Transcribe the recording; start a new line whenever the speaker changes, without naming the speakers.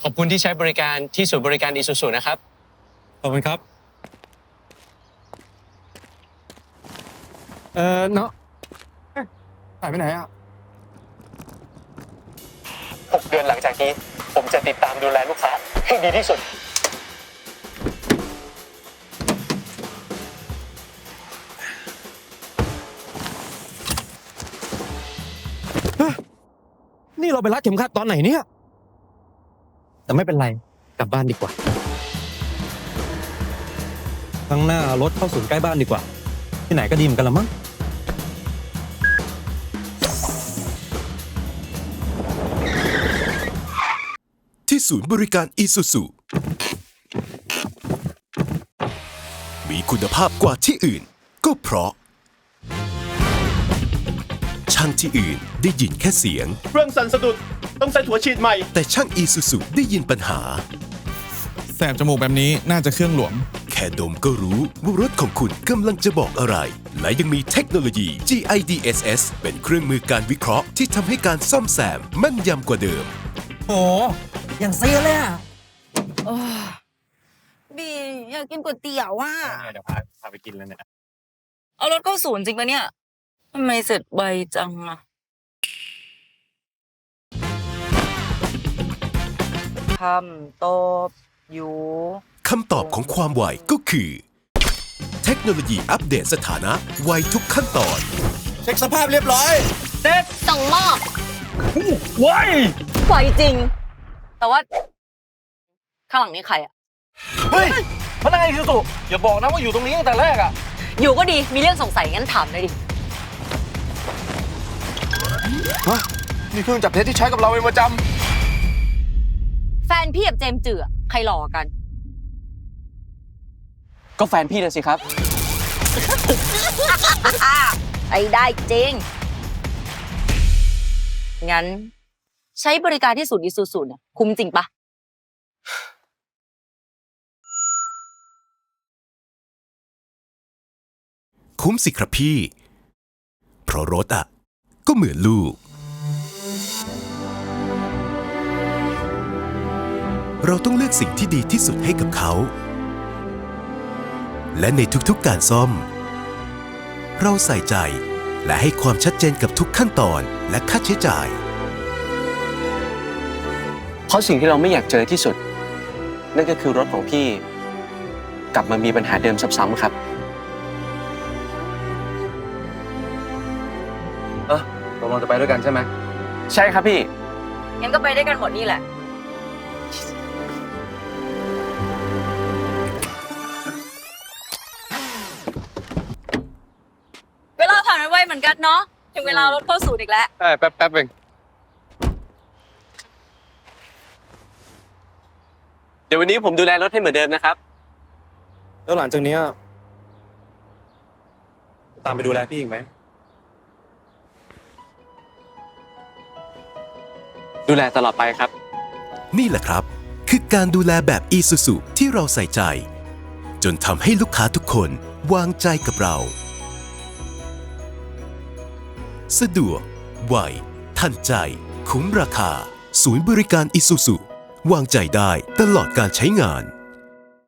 ขอบคุณที่ใช้บริการที่ศูนย์บริการอิซูซูนะครับ
ขอบคุณครับเนาะหายไปไหนอ่ะ
6 เดือนหลังจากนี้ผมจะติดตามดูแลลูกค้าให้ดีที่สุด
นี่เราไปรัดเข็มขัดตอนไหนเนี่ยแต่ไม่เป็นไรกลับบ้านดีกว่าข้างหน้ารถเข้าศูนย์ใกล้บ้านดีกว่าที่ไหนก็ดีเหมือนกันละมั้ง
ที่ศูนย์บริการอีซูซูมีคุณภาพกว่าที่อื่นก็เพราะช่างที่อื่นได้ยินแค่เสียง
เครื่องสั่นสะดุดต้องใส่หัวฉีดใหม่
แต่ช่างอีซูซูได้ยินปัญหา
แสบจมูกแบบนี้น่าจะเครื่องหลวม
แค่ดมก็รู้ว่ารถของคุณกำลังจะบอกอะไร และยังมีเทคโนโลยี GIDSS เป็นเครื่องมือการวิเคราะห์ที่ทำให้การซ่อมแซมแม่นยำกว่าเดิม
โอ้อย่างเซียเลยอ่ะ
บีอยากกินก๋วยเตี๋ยวว่ะ
เดี๋ยวพาไปกินแล้วเนี่ย
เอารถเข้าศูนย์จริงปะเนี่ยทำไมเสร็จไวจังอะคำตอบอยู่
คำตอบของความไวก็คือ เทคโนโลยีอัปเดตสถานะไวทุกขั้นตอน
เช็คสภาพเรียบร้อย
ส่งมอบ
ไว
ไวจริง แต่ว่า ข้างหลังนี้ใครอะ
เฮ้ยพนักงานอีซูซูอย่าบอกนะว่าอยู่ตรงนี้ตั้งแต่แรกอะ
อยู่ก็ดีมีเรื่องสงสัยงั้นถามเลยดิ
นี่เครื่องจับเท็จที่ใช้กับเราเป็นประจ
แฟนพี่กับเจมส์จือใครหล่อกัน
ก็แฟนพี่เลยสิครับ
ไอ้ได้จริง งั้น ใช้บริการที่ศูนย์อิซูซูเนี่ยคุ้มจริงปะ
คุ้มสิครับพี่ เพราะรถอ่ะ ก็เหมือนลูก เราต้องเลือกสิ่งที่ดีที่สุดให้กับเขา และในทุกๆการซ่อม เราใส่ใจและให้ความชัดเจนกับทุกขั้นตอนและค่าใช้จ่าย
เพราะสิ่งที่เราไม่อยากเจอที่สุด นั่นก็คือรถของพี่ กลับมามีปัญหาเดิมซ้ำๆครับ
ำตกลงจะไปด้วยกันใช่ไหม
ใช่ครับพี่
งั้นก็ไปได้กันหมดนี่แหละ เวลาผ่านไปไวเหมือนกันเนาะ ถึงเวลารถเข้าศูนย์อีกแล้ว
ใช่แป๊บเอง
เดี๋ยววันนี้ผมดูแลรถให้เหมือนเดิมนะครับ
แล้วหลังจากนี้ตามไปดูแลพี่อีกไหม
ดูแลตลอดไปครับ
นี่แหละครับ คือการดูแลแบบอีซูซูที่เราใส่ใจ จนทำให้ลูกค้าทุกคนวางใจกับเรา สะดวก ไว ทันใจ คุ้มราคา ศูนย์บริการอีซูซูวางใจได้ตลอดการใช้งาน